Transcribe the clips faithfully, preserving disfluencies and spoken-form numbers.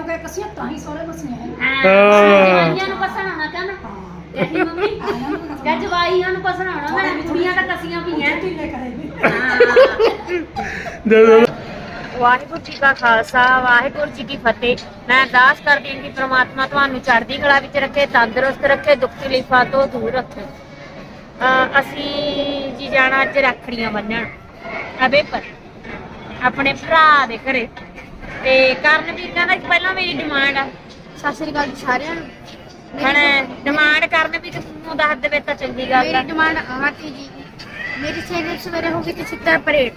ਕਿਉਂਕਿ ਕਸੀਆਂ ਤਾਂ ਹੀ ਸੋਹਣੇ ਬਸਨੇ ਹੈ ਜਵਾਈਆਂ ਨੂੰ ਪਸਣਾਉਣਾ ਕਹਿੰਦਾ ਤੇਰੀ ਮੰਮੀ ਜਾਂ ਜਵਾਈਆਂ ਨੂੰ ਪਸਣਾਉਣਾ ਮੈਂ ਕੁੜੀਆਂ ਤਾਂ ਕਸੀਆਂ ਪਈਆਂ ਢਿੱਲੇ ਕਰੇਗੀ ਵਾਹਿਗੁਰੂ ਜੀ ਕਾ ਖਾਲਸਾ ਵਾਹਿਗੁਰੂ ਜੀ ਕੀ ਫਤਿਹ। ਮੈਂ ਅਰਦਾਸ ਕਰਦੀ ਹਾਂ ਕਿ ਪ੍ਰਮਾਤਮਾ ਤੁਹਾਨੂੰ ਚੜ੍ਹਦੀ ਕਲਾ ਵਿੱਚ ਰੱਖੇ, ਤੰਦਰੁਸਤ ਰੱਖੇ, ਦੁੱਖ ਤਕਲੀਫਾਂ ਤੋਂ ਦੂਰ ਰੱਖੇ। ਅਹ ਅਸੀਂ ਜੀ ਜਾਣਾ ਅੱਜ ਰੱਖੜੀਆਂ ਬੰਨਣ ਅਬੇ ਪਰ ਆਪਣੇ ਭਰਾ ਦੇ ਘਰੇ ਤੇ ਕਰਨਵੀਰ ਕਹਿੰਦਾ ਕਿ ਪਹਿਲਾਂ ਮੇਰੀ ਡਿਮਾਂਡ ਆ। ਸਤਿ ਸ੍ਰੀ ਅਕਾਲ ਜੀ ਸਾਰਿਆਂ ਨੂੰ। ਹੁਣ ਡਿਮਾਂਡ ਕਰਨ ਵੀ ਤੂੰ ਦੱਸ ਦੇਵੇ ਤਾਂ ਚੰਗੀ ਗੱਲ ਆ। ਮੇਰੀ ਡਿਮਾਂਡ ਆਹ ਸੀ ਜੀ, ਮੇਰੀ ਸਵੇਰੇ ਸਵੇਰੇ ਹੋ ਗਈ ਤੇ ਛਿੱਤਰ ਪਰੇਡ।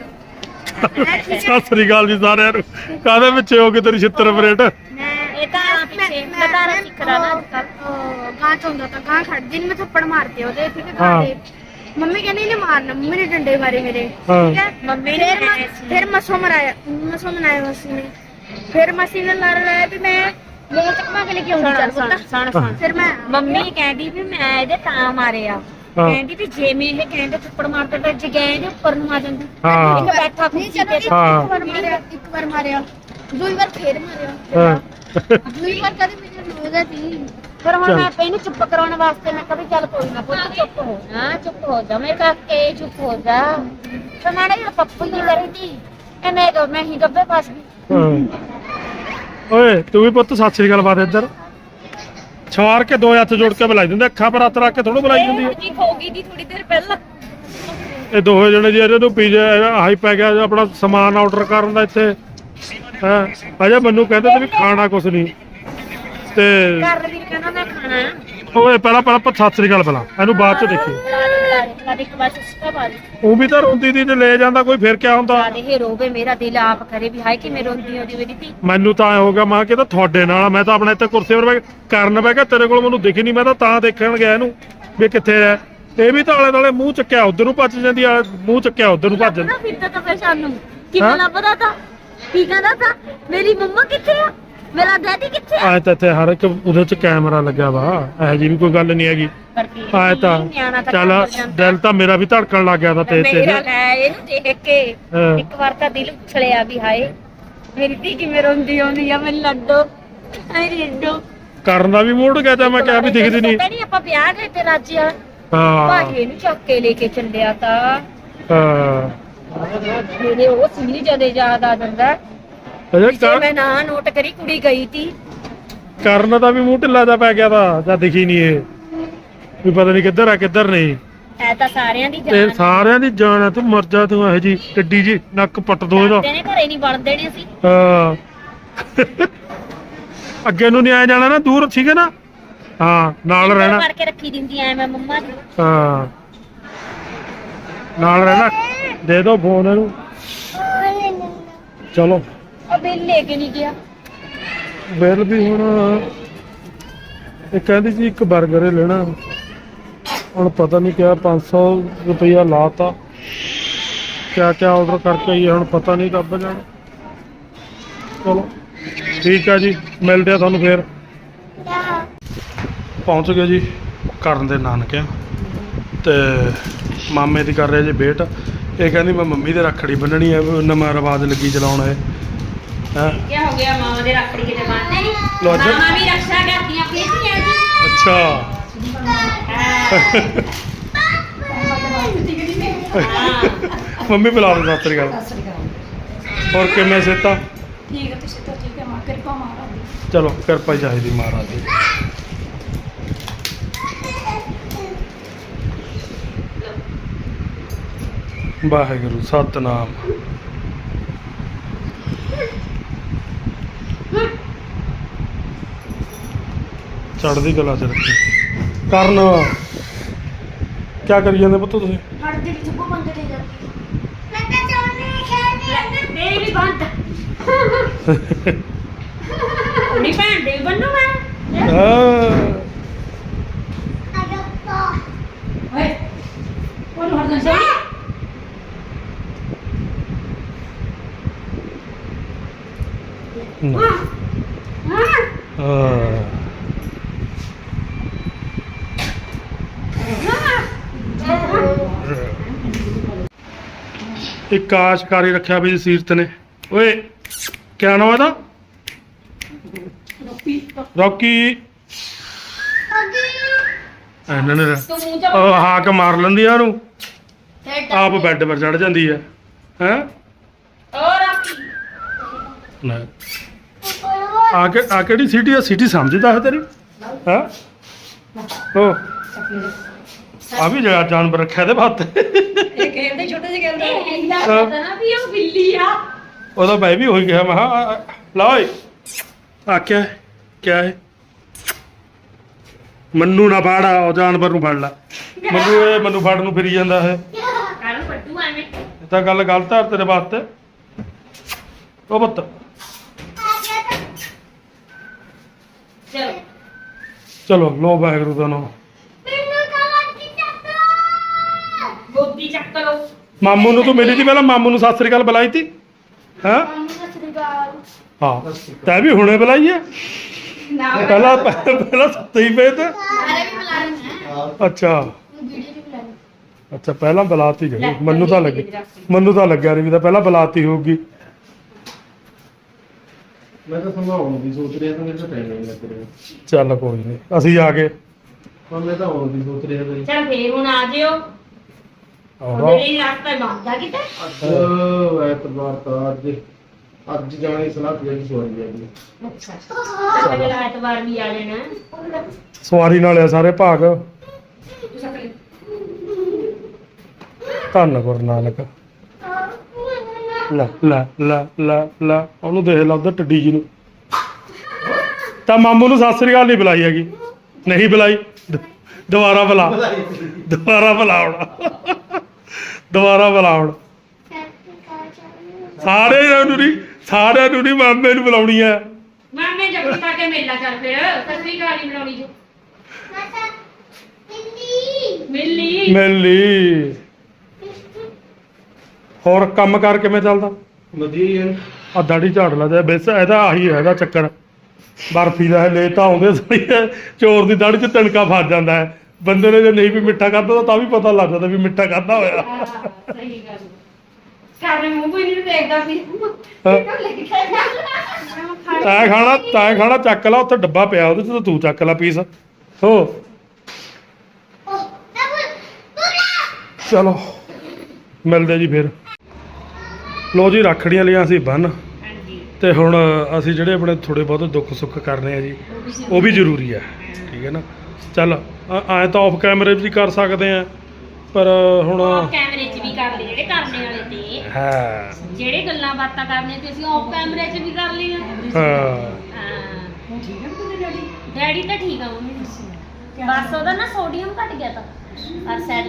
ਸਤਿ ਸ੍ਰੀ ਅਕਾਲ ਜੀ ਸਾਰਿਆਂ ਨੂੰ। ਕਾਹਦੇ ਪਿੱਛੇ ਹੋ ਗਏ ਤੇਰੀ ਛਿੱਤਰ ਪਰੇਡ? ਮੈਂ ਇਹ ਤਾਂ ਪਿੱਛੇ ਮੈਂ ਤਾਂ ਸਿੱਖਦਾ ਨਾ ਗਾਂ ਚੋਂਦਾ ਤਾਂ ਗਾਂ ਖੜ ਜੀ, ਮੈਂ ਥੱਪੜ ਮਾਰਤੇ ਉਹਦੇ ਠੀਕ ਹੈ ਗਾਂ ਦੇ। ਮੰਮੀ ਕਹਿੰਦੀ ਇਹਨੇ ਮਾਰਨਾ, ਮੰਮੀ ਨੇ ਡੰਡੇ ਮਾਰੇ ਮੇਰੇ ਠੀਕ ਹੈ। ਮੰਮੀ ਨੇ ਫਿਰ ਮਸੋ ਮਰਾਇਆ ਮਸੋ ਮਨਾਇਆ ਮਸੀ ਨੇ। ਫਿਰ ਮਸੀ ਨੇ ਲੜ ਲਿਆ ਵੀ ਮੈਂ ਮੋਹ ਚੱਕਮਾ ਕੇ ਲੈ ਕੇ ਆਉਂਦੀ ਚੱਲ ਪੁੱਤ। ਸੁਣ ਸੁਣ ਫਿਰ ਮੈਂ ਮੰਮੀ ਕਹਿੰਦੀ ਵੀ ਮੈਂ ਇਹਦੇ ਤਾਂ ਮਾਰਿਆ, ਕਹਿੰਦੀ ਵੀ ਜੇ ਮੈਂ ਇਹ ਕਹਿੰਦੇ ਥੱਪੜ ਮਾਰਦਾ ਤਾਂ ਜਗੈਂ ਦੇ ਉੱਪਰ ਨੂੰ ਆ ਜਾਂਦੀ। ਹਾਂ ਇੱਕ ਬੈਠਾ ਨਹੀਂ ਕੁਰਸੀ ਚਲੋ ਤੇ ਇੱਕ ਵਾਰ ਮਾਰਿਆ, ਇੱਕ ਵਾਰ ਮਾਰਿਆ, ਦੂਈ ਵਾਰ ਫੇਰ ਮਾਰਿਆ, ਦੂਈ ਵਾਰ ਕਦੇ ਮੈਨੂੰ ਲੋਗਾ ਸੀ। ਫਿਰ ਹੁਣ ਮੈਂ ਇਹਨੂੰ ਚੁੱਪ ਕਰਾਉਣ ਵਾਸਤੇ ਮੈਂ ਕਹੀ ਚੱਲ ਕੋਈ ਨਾ ਪੁੱਤ ਚੁੱਪ ਹੋ ਜਾ, ਚੁੱਪ ਹੋ ਜਾ ਮੇਰੇ ਕਾਕੇ, ਚੁੱਪ ਹੋ ਜਾ। ਤੇ ਨਾਲੇ ਇਹ ਪੱਪੂ ਹੀ ਕਰੀ ਤੀ ਇਹਨੇ ਕਹ ਮੈਂ ਹੀ ਗੱਬੇ ਫਸ ਗਈ। ਓਏ ਤੂੰ ਵੀ ਪੁੱਤ ਸਤਿ ਸ੍ਰੀ ਅਕਾਲ ਬਾਤ ਇੱਧਰ ਛਾਰ ਕੇ ਦੋ ਹੱਥ ਜੋੜ ਕੇ ਬੁਲਾਈ ਦਿੰਦੇ, ਅੱਖਾਂ ਪਰ ਹੱਥ ਰੱਖ ਕੇ ਥੋੜ੍ਹਾ ਬੁਲਾਈ ਜਾਂਦੀ ਹੈ। ਜੀ ਹੋ ਗਈ ਦੀ ਥੋੜੀ ਦੇਰ ਪਹਿਲਾਂ ਇਹ ਦੋਹੇ ਜਣੇ ਜੀ ਇਹਨੂੰ ਪੀਜੇ ਹਾਈ ਪੈ ਗਿਆ ਆਪਣਾ ਸਮਾਨ ਆਰਡਰ ਕਰਨ ਦਾ ਇੱਥੇ ਹੈ। ਅਜੇ ਮੈਨੂੰ ਕਹਿੰਦੇ ਤੇ ਵੀ ਖਾਣਾ ਕੁਛ ਨਹੀਂ ਤੇ ਘਰ ਵੀ ਕਹਿੰਦਾ ਮੈਂ ਖਾਣਾ ਹੈ। ਓਏ ਪਹਿਲਾਂ ਪਹਿਲਾਂ ਆਪਾਂ ਸਤਿ ਸ੍ਰੀ ਅਕਾਲ ਪਹਿਲਾਂ ਇਹਨੂੰ ਬਾਅਦ ਚ ਦੇਖੀ। ਇੱਕ ਵਾਰ ਸਿੱਕਾ ਪਾ ਦੇ ਉਹ ਵੀ ਤਾਂ ਰੋਂਦੀ ਦੀ ਤੇ ਲੈ ਜਾਂਦਾ ਕੋਈ, ਫਿਰ ਕਿਆ ਹੁੰਦਾ। ਇਹ ਰੋਵੇ ਮੇਰਾ ਦਿਲ ਆਪ ਕਰੇ ਵੀ ਹਾਏ ਕਿ ਮੈਂ ਰੋਂਦੀ ਹੁੰਦੀ ਮੇਰੀ ਧੀ। ਮੈਨੂੰ ਤਾਂ ਐ ਹੋ ਗਿਆ ਮਾਂ ਕਿ ਤਾਂ ਤੁਹਾਡੇ ਨਾਲ ਮੈਂ ਤਾਂ ਆਪਣਾ ਇੱਥੇ ਕੁਰਸੀ 'ਤੇ ਬੈ ਕਰਨ ਬਹਿ ਗਿਆ, ਤੇਰੇ ਕੋਲ ਮੈਨੂੰ ਦਿਖੀ ਨਹੀਂ, ਮੈਂ ਤਾਂ ਤਾਂ ਦੇਖਣ ਗਿਆ ਇਹਨੂੰ ਵੀ ਕਿੱਥੇ ਹੈ। ਇਹ ਵੀ ਤਾਂ ਆਲੇ ਦੁਆਲੇ ਮੂੰਹ ਚੱਕਿਆ ਉਧਰ ਨੂੰ ਭੱਜ ਜਾਂਦੀ ਆ, ਮੂੰਹ ਚੱਕਿਆ ਉਧਰ ਨੂੰ ਭੱਜ ਜਾਂਦੀ। ਫਿਰਦਾ ਤਾਂ ਫਿਰ ਸਾਨੂੰ ਕਿਵੇਂ ਲੱਭਦਾ ਤਾਂ ਕੀ ਕਹਿੰਦਾ ਤਾਂ ਮੇਰੀ ਮੰਮਾ ਕਿੱਥੇ ਆ, ਮੇਰਾ ਡੈਡੀ ਕਿੱਥੇ ਆ। ਐ ਤਾਂ ਇੱਥੇ ਹਰ ਇੱਕ ਉਹਦੇ 'ਚ ਕੈਮਰਾ ਲੱਗਿਆ ਵਾ, ਇਹੋ ਜਿਹੀ ਵੀ ਕੋਈ ਗੱਲ ਨਹੀਂ ਹੈਗੀ। ਐ ਤਾਂ ਚੱਲ ਦਿਲ ਤਾਂ ਮੇਰਾ ਵੀ ਧੜਕਣ ਲੱਗ ਗਿਆ ਤਾਂ ਤੇਜ਼ ਤੇਜ਼। ਮੇਰਾ ਲੈ ਇਹਨੂੰ ਦੇਖ ਕੇ ਇੱਕ ਵਾਰ ਤਾਂ ਦਿਲ ਉਛਲਿਆ ਵੀ ਹਾਏ ਮੇਰੀ ਧੀ ਕਿਵੇਂ ਰੋਂਦੀ ਆਉਂਦੀ ਆ, ਮੈਨੂੰ ਲੱਡੋ ਐ ਲੱਡੋ ਕਰਨ ਦਾ ਵੀ ਮੂਡ ਗਿਆ ਤਾਂ ਮੈਂ ਕਿਹਾ ਵੀ ਦਿਖਦੀ ਨਹੀਂ। ਨਹੀਂ ਆਪਾਂ ਵਿਆਹ ਗਏ ਤੇ ਰਾਜੀਆ ਹਾਂ ਭਾਜੀ ਨੂੰ ਚੱਕ ਕੇ ਲੈ ਕੇ ਚੱਲਿਆ ਤਾਂ ਹਾਂ ਮੇਰੇ ਉਹ ਸੀਰੀ ਜਦੇ ਯਾਦ ਆ ਜਾਂਦਾ। ਅਜੇ ਮੈਂ ਨਾ ਨੋਟ ਕਰੀ ਕੁੜੀ ਗਈ ਤੀ ਕਰਨ ਦਾ ਵੀ ਮੂੰਹ ਢਿੱਲਾ ਜਾ ਪੈ ਗਿਆ ਤਾਂ ਜਾਂ ਦਿਖੀ ਨਹੀਂ ਇਹ ਵੀ ਪਤਾ ਨਹੀਂ ਕਿੱਧਰ ਆ ਕਿੱਧਰ ਨਹੀਂ। ਐ ਤਾਂ ਸਾਰਿਆਂ ਦੀ ਤੇ ਜਾਨ ਸਾਰਿਆਂ ਦੀ ਜਾਨ ਆ, ਤੂੰ ਮਰ ਜਾ ਤੂੰ ਇਹੋ ਜੀ ਟੱਡੀ ਜੀ ਨੱਕ ਪੱਟ ਦੋ ਇਹਦਾ। ਨੇ ਘਰੇ ਨਹੀਂ ਬਣ ਦੇਣੇ ਸੀ। ਹਾਂ ਅੱਗੇ ਨੂੰ ਨਹੀਂ ਆਇਆ ਜਾਣਾ ਨਾ, ਦੂਰ ਸੀਗੇ ਨਾ। ਹਾਂ ਨਾਲ ਰਹਿਣਾ, ਫੜ ਕੇ ਰੱਖੀ ਦਿੰਦੀ ਐ ਮੈਂ ਮੰਮਾ ਦੀ। ਹਾਂ ਨਾਲ ਰਹਿਣਾ। ਦੇ ਦੋ ਫੋਨ ਇਹਨੂੰ। ਚਲੋ ਉਹ ਬਿੱਲ ਲੈ ਕੇ ਨਹੀਂ ਗਿਆ। ਬਿੱਲ ਵੀ ਹੁਣ ਇਹ ਕਹਿੰਦੀ ਸੀ ਇੱਕ 버ਗਰ ਹੀ ਲੈਣਾ, ਹੁਣ ਪਤਾ ਨਹੀਂ ਕਿਆ ਪੰਜ ਸੌ ਰੁਪਈਆ ਲਾਤਾ। ਕਿਆ ਕਿਆ ਆਰਡਰ ਕਰਕੇ ਆਈਏ ਹੁਣ ਪਤਾ ਨਹੀਂ ਕਦ ਜਾਣਾ। ਚਲੋ ਠੀਕ ਆ ਜੀ, ਮਿਲਦੇ ਆ ਤੁਹਾਨੂੰ ਫੇਰ। ਪਹੁੰਚ ਗਏ ਜੀ ਕਰਨ ਦੇ ਨਾਨਕਿਆਂ ਤੇ ਮਾਮੇ ਦੀ ਕਰ ਰਿਹਾ ਜੀ ਵੇਟ। ਇਹ ਕਹਿੰਦੀ ਮੈਂ ਮੰਮੀ ਦੇ ਰੱਖੜੀ ਬੰਨਣੀ ਹੈ, ਨਵਾਂ ਰਿਵਾਜ ਲੱਗੀ ਚਲਾਉਣ ਹੈ। ਹੈਂ ਕੀ ਹੋ ਗਿਆ ਮਾਂ ਦੇ ਰੱਖੜੀ ਕਿਤੇ ਬੰਨ੍ਹਦੇ ਨਹੀਂ। ਲੋ ਅੱਜ ਮਾਂ ਵੀ ਰੱਖਿਆ ਕਰਦੀਆਂ ਪੀਤੀਆਂ ਜੀ। ਅੱਛਾ ਮੰਮੀ ਬੁਲਾ ਦੋ ਸਤਿ ਸ੍ਰੀ ਅਕਾਲ। ਸਤਿ ਸ੍ਰੀ ਅਕਾਲ। ਹੋਰ ਕਿਵੇਂ ਸਿਹਤਾਂ? ਠੀਕ ਹੈ ਤੁਸੀਂ ਤਾਂ ਠੀਕ ਹੈ ਮਾਂ ਕਿਰਪਾ ਮਹਾਰਾਜ ਦੀ। ਚਲੋ ਕਿਰਪਾ ਹੀ ਚਾਹੀਦੀ ਮਹਾਰਾਜ ਦੀ। ਵਾਹਿਗੁਰੂ ਸਤਨਾਮ। ਚੜ੍ਹਦੀ ਕਲਾ ਚ ਰੱਖੀ। ਕਰਨ ਕਿਆ ਕਰੀ ਜਾਂਦੇ ਪੁੱਤ ਤੁਸੀਂ? ਹੜਦੇ ਵਿੱਚ ਉਹ ਬੰਦੇ ਤੇ ਜਾਂਦੀ ਮੇਰੀ ਵੀ ਬੰਦ ਕੁੜੀ ਭੈਣ ਦੇ ਬੰਨੂ ਮੈਂ। ਹਾਂ ਓਏ ਉਹਨੂੰ ਹਰਦਨ ਸੋਣੀ ਨਾ। ਹਾਂ ਇੱਕ ਆਸ਼ਕਾਰੀ ਰੱਖਿਆ ਵੀ ਸੀਰਤ ਨੇ। ਓਏ ਕਿਆ ਨਾਮ ਇਹਦਾ? ਰੋਪੀ ਰੌਕੀ ਇਹਨਾਂ ਨੇ ਤੂੰ ਮੂੰਹ ਚ ਉਹ ਹਾਕ ਮਾਰ ਲੈਂਦੀ ਆ ਉਹਨੂੰ ਆਪ ਬੈੱਡ ਪਰ ਚੜ ਜਾਂਦੀ ਹੈ ਹੈ ਹੋਰ ਆਪੀ ਲੈ ਆ ਕੇ ਆ ਕਿਹੜੀ ਸਿਟੀ ਆ ਸਿਟੀ ਸਮਝਦਾ ਹੈ ਤੇਰੀ ਹੈ ਉਹ ਆ ਵੀ ਜਿਹੜਾ ਜਾਨਵਰ ਰੱਖਿਆ ਦੇ ਹੱਥ ਇਹ ਕਹਿੰਦੇ ਛੋਟੇ ਜਿਹੇ ਕਹਿੰਦੇ ਇਹਦਾ ਪਤਾ ਨਾ ਵੀ ਉਹ ਬਿੱਲੀ ਆ ਉਹਦਾ ਮੈਂ ਵੀ ਹੋਈ ਗਿਆ ਮੈਂ ਕਿਹਾ ਲਾ ਓਏ ਆ ਕਿਆ ਹੈ ਕਿਆ ਹੈ ਮੰਨੂ ਨਾ ਫੜ ਉਹ ਜਾਨਵਰ ਨੂੰ ਫੜ ਲੈ ਮੰਨੂ ਇਹ ਮੈਨੂੰ ਫੜ ਨੂੰ ਫਿਰੀ ਜਾਂਦਾ ਹੈ ਕਾਹਨੂੰ ਪੱਟੂ ਐਵੇਂ ਇਹ ਤਾਂ ਗੱਲ ਗਲਤ ਹੈ ਤੇਰੇ ਵਾਸਤੇ ਉਹ ਪੁੱਤ ਚਲੋ ਚਲੋ ਲੋ ਵਾਹਿਗੁਰੂ ਦਾ ਨਾਮ ਗੋਦੀ ਚੱਕ ਲਓ ਮਾਮੂ ਨੂੰ ਤੂੰ ਮਿਲੀ ਸੀ ਪਹਿਲਾਂ ਮਾਮੂ ਨੂੰ ਸਤਿ ਸ੍ਰੀ ਅਕਾਲ ਬੁਲਾਈ ਤੀ ਹੈਂ ਮੰਮੀ ਸਤਿ ਸ੍ਰੀ ਅਕਾਲ ਹਾਂ ਤੈਂ ਵੀ ਹੁਣੇ ਬੁਲਾਈ ਹੈ ਨਾ ਪਹਿਲਾਂ ਪਹਿਲਾਂ ਸੱਤੇ ਹੀ ਪਏ ਤੇ ਸਾਰੇ ਵੀ ਬੁਲਾ ਰਹੇ ਨੇ ਅੱਛਾ ਵੀਡੀਓ ਵੀ ਬੁਲਾ ਰਹੇ ਅੱਛਾ ਪਹਿਲਾਂ ਬੁਲਾਤੀ ਗਈ ਮੈਨੂੰ ਤਾਂ ਲੱਗੇ ਮੈਨੂੰ ਤਾਂ ਲੱਗਿਆ ਨਹੀਂ ਵੀ ਤਾਂ ਪਹਿਲਾਂ ਬੁਲਾਤੀ ਹੋਊਗੀ ਮੈਂ ਤਾਂ ਸੰਭਾਉਣ ਦੀ ਸੋਚ ਰਿਹਾ ਤਾਂ ਮੇਰੇ ਤਾਂ ਟਾਈਮ ਨਹੀਂ ਲੱਗ ਰਿਹਾ ਚੱਲ ਕੋਈ ਨਹੀਂ ਅਸੀਂ ਆ ਗਏ ਪਰ ਮੈਂ ਤਾਂ ਆਉਣ ਦੀ ਸੋਚ ਰਿਹਾ ਬਈ ਚੱਲ ਫੇਰ ਹੁਣ ਆ ਜਿਓ ਆਹੋ ਉਹਦੇ ਲਈ ਰਸਤਾ ਬੰਦਾ ਕਿਤੇ ਅੱਜ ਐਤਵਾਰ ਤਾਂ ਅੱਜ ਅੱਜ ਜਾਣੇ ਦੀ ਸਲਾਹ ਤੇ ਸੋਚ ਰਿਹਾ ਜੀ ਅੱਛਾ ਅਗਲੇ ਐਤਵਾਰ ਵੀ ਆ ਜਾਣਾ ਸਵਾਰੀ ਨਾਲ ਆ ਸਾਰੇ ਭਾਗ ਤੂੰ ਸਕਲੇ ਧੰਨ ਗੁਰੂ ਨਾਨਕ ਲੈ ਲੈ ਲੈ ਲੈ ਲੈ ਉਹਨੂੰ ਦੇਖ ਲਾ ਉਧਰ ਟੱਡੀ ਜੀ ਨੂੰ ਤਾਂ ਮਾਮੂ ਨੂੰ ਸਤਿ ਸ੍ਰੀ ਅਕਾਲ ਨਹੀਂ ਬੁਲਾਈ ਹੈਗੀ ਨਹੀਂ ਬੁਲਾਈ ਦ- ਦੁਬਾਰਾ ਬੁਲਾ ਦੁਬਾਰਾ ਬੁਲਾਉਣਾ ਦੁਬਾਰਾ ਬੁਲਾਉਣ ਸਾਰਿਆਂ ਨੂੰ ਨਹੀਂ ਸਾਰਿਆਂ ਨੂੰ ਨਹੀਂ ਮਾਮੇ ਨੂੰ ਬੁਲਾਉਣੀ ਹੈ ਮਾਮੇ ਜੱਫੀ ਪਾ ਕੇ ਮੇਲਾ ਚੱਲ ਫਿਰ ਸਸਰੀ ਗਾਲੀ ਬਣਾਉਣੀ ਜੋ ਮਿਲੀ ਮਿਲ ਲਈ ਹੋਰ ਕੰਮ ਕਾਰ ਕਿਵੇਂ ਚੱਲਦਾ ਵਧੀਆ ਆ ਦਾੜੀ ਝਾੜ ਲਾ ਜਾ ਬਸ ਇਹਦਾ ਆਹੀ ਹੈ ਇਹਦਾ ਚੱਕਰ ਬਰਫੀ ਦਾ ਲੈ ਤਾਂ ਆਉਂਦੇ ਸਹੀ ਹੈ ਚੋਰ ਦੀ ਦਾੜੀ 'ਚ ਤਿਣਕਾ ਫਸ ਜਾਂਦਾ ਹੈ ਬੰਦੇ ਨੇ ਜੇ ਨਹੀਂ ਵੀ ਮਿੱਠਾ ਖਾਧਾ ਤਾਂ ਵੀ ਪਤਾ ਲੱਗ ਜਾਂਦਾ ਵੀ ਮਿੱਠਾ ਖਾਧਾ ਹੋਇਆ ਹਾਂ, ਸਹੀ ਗੱਲ ਕਾਰੇ ਮੂੰਹ ਕੋਈ ਨਹੀਂ ਦੇਖਦਾ ਸੀ ਹਾਂ। ਲੈ ਕੇ ਖਾਇਆ ਤੈਂ ਖਾਣਾ ਤੈਂ ਖਾਣਾ ਚੱਕ ਲਾ ਉੱਥੇ ਡੱਬਾ ਪਿਆ ਉਹਦੇ 'ਚ ਤਾਂ ਤੂੰ ਚੱਕ ਲਾ ਪੀਸ ਹੋ ਚਲੋ ਮਿਲਦੇ ਜੀ ਫਿਰ ਲੋ ਜੀ ਰੱਖੜੀਆਂ ਲਿਆ ਅਸੀਂ ਬੰਨ ਹਾਂਜੀ ਤੇ ਹੁਣ ਅਸੀਂ ਜਿਹੜੇ ਆਪਣੇ ਥੋੜੇ ਬਹੁਤ ਦੁੱਖ ਸੁੱਖ ਕਰਨੇ ਆ ਜੀ ਉਹ ਵੀ ਜ਼ਰੂਰੀ ਹੈ ਠੀਕ ਹੈ ਨਾ ਚੱਲ ਐਂ ਤਾਂ ਆਫ ਕੈਮਰੇ ਵੀ ਕਰ ਸਕਦੇ ਆ ਪਰ ਹੁਣ ਆਫ ਕੈਮਰੇ 'ਚ ਵੀ ਕਰ ਲਏ ਜਿਹੜੇ ਕਰਨੇ ਵਾਲੇ ਤੇ ਹਾਂ ਜਿਹੜੇ ਗੱਲਾਂ ਬਾਤਾਂ ਕਰਨੇ ਤੇ ਅਸੀਂ ਆਫ ਕੈਮਰੇ 'ਚ ਵੀ ਕਰ ਲਈਆਂ ਹਾਂ ਹਾਂ ਹੁਣ ਠੀਕ ਹੈ ਤੇਰੇ ਡੈਡੀ ਡੈਡੀ ਤਾਂ ਠੀਕ ਆ ਮੰਮੀ ਬਸ ਉਹਦਾ ਨਾ ਸੋਡੀਅਮ ਘਟ ਗਿਆ ਤਾਂ ਔਰ ਸੈੱਲ